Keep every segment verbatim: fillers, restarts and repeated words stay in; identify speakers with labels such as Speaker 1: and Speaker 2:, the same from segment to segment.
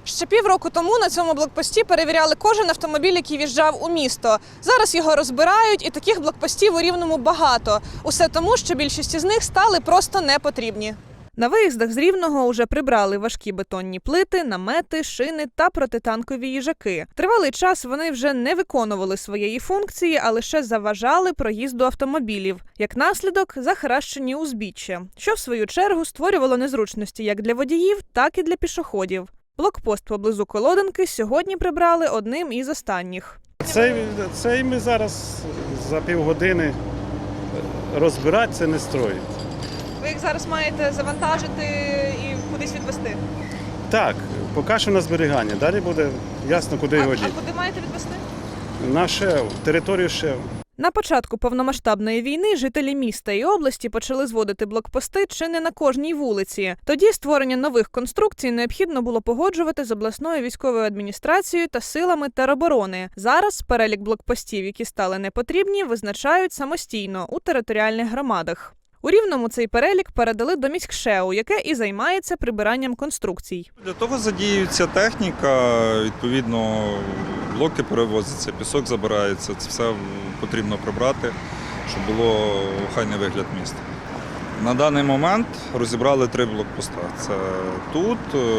Speaker 1: Ще півроку тому на цьому блокпості перевіряли кожен автомобіль, який в'їжджав у місто. Зараз його розбирають, і таких блокпостів у Рівному багато. Усе тому, що більшість із них стали просто непотрібні. На виїздах з Рівного уже прибрали важкі бетонні плити, намети, шини та протитанкові їжаки. Тривалий час вони вже не виконували своєї функції, а лише заважали проїзду автомобілів. Як наслідок – захаращені узбіччя, що в свою чергу створювало незручності як для водіїв, так і для пішоходів. Блокпост поблизу Колоденки сьогодні прибрали одним із останніх.
Speaker 2: Цей, цей ми зараз за півгодини розбирати, це не строїть.
Speaker 1: Ви їх зараз маєте завантажити і кудись відвезти?
Speaker 2: Так, поки що на зберігання, далі буде ясно, куди його діти.
Speaker 1: А куди маєте відвезти?
Speaker 2: На ШЕВ, територію ШЕВ.
Speaker 1: На початку повномасштабної війни жителі міста і області почали зводити блокпости чи не на кожній вулиці. Тоді створення нових конструкцій необхідно було погоджувати з обласною військовою адміністрацією та силами тероборони. Зараз перелік блокпостів, які стали непотрібні, визначають самостійно у територіальних громадах. У Рівному цей перелік передали до міськшеу, яке і займається прибиранням конструкцій.
Speaker 3: Для того задіюється техніка, відповідно блоки перевозяться, пісок забирається, це все потрібно прибрати, щоб було охайний вигляд міста. На даний момент розібрали три блокпоста. Це тут,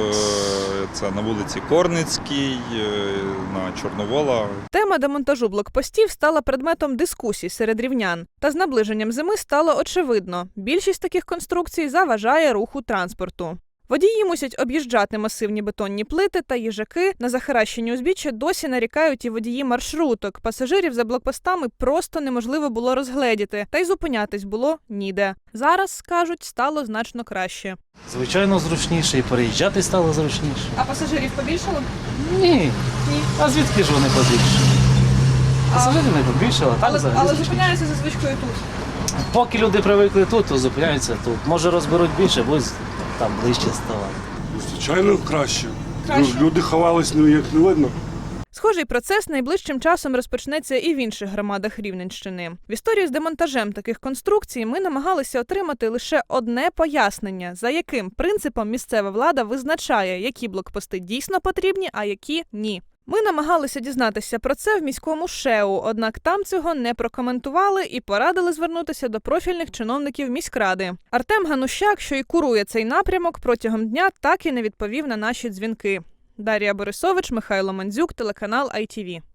Speaker 3: це на вулиці Корницькій, на Чорновола.
Speaker 1: Тема демонтажу блокпостів стала предметом дискусій серед рівнян. Та з наближенням зими стало очевидно – більшість таких конструкцій заважає руху транспорту. Водії мусять об'їжджати масивні бетонні плити та їжаки. На захаращені узбіччя досі нарікають і водії маршруток. Пасажирів за блокпостами просто неможливо було розгледіти, та й зупинятись було ніде. Зараз, кажуть, стало значно краще.
Speaker 4: Звичайно, зручніше і переїжджати стало зручніше.
Speaker 1: А пасажирів побільшало?
Speaker 4: Ні.
Speaker 1: Ні.
Speaker 4: А звідки ж вони побільшили? Пасажирів не побільшало, так
Speaker 1: Але,
Speaker 4: взагалі
Speaker 1: але
Speaker 4: зручніше.
Speaker 1: зупиняються за звичкою тут.
Speaker 4: Поки люди привикли тут, то зупиняються тут. Може розберуть більше, будуть там ближче ставати.
Speaker 5: Звичайно, краще.
Speaker 1: Краще?
Speaker 5: Люди ховались, ну як не видно.
Speaker 1: Схожий процес найближчим часом розпочнеться і в інших громадах Рівненщини. В історії з демонтажем таких конструкцій ми намагалися отримати лише одне пояснення, за яким принципом місцева влада визначає, які блокпости дійсно потрібні, а які – ні. Ми намагалися дізнатися про це в міському ШЕУ, однак там цього не прокоментували і порадили звернутися до профільних чиновників міськради. Артем Ганущак, що й курує цей напрямок, протягом дня так і не відповів на наші дзвінки. Дар'я Борисович, Михайло Мандзюк, телеканал ай ті ві.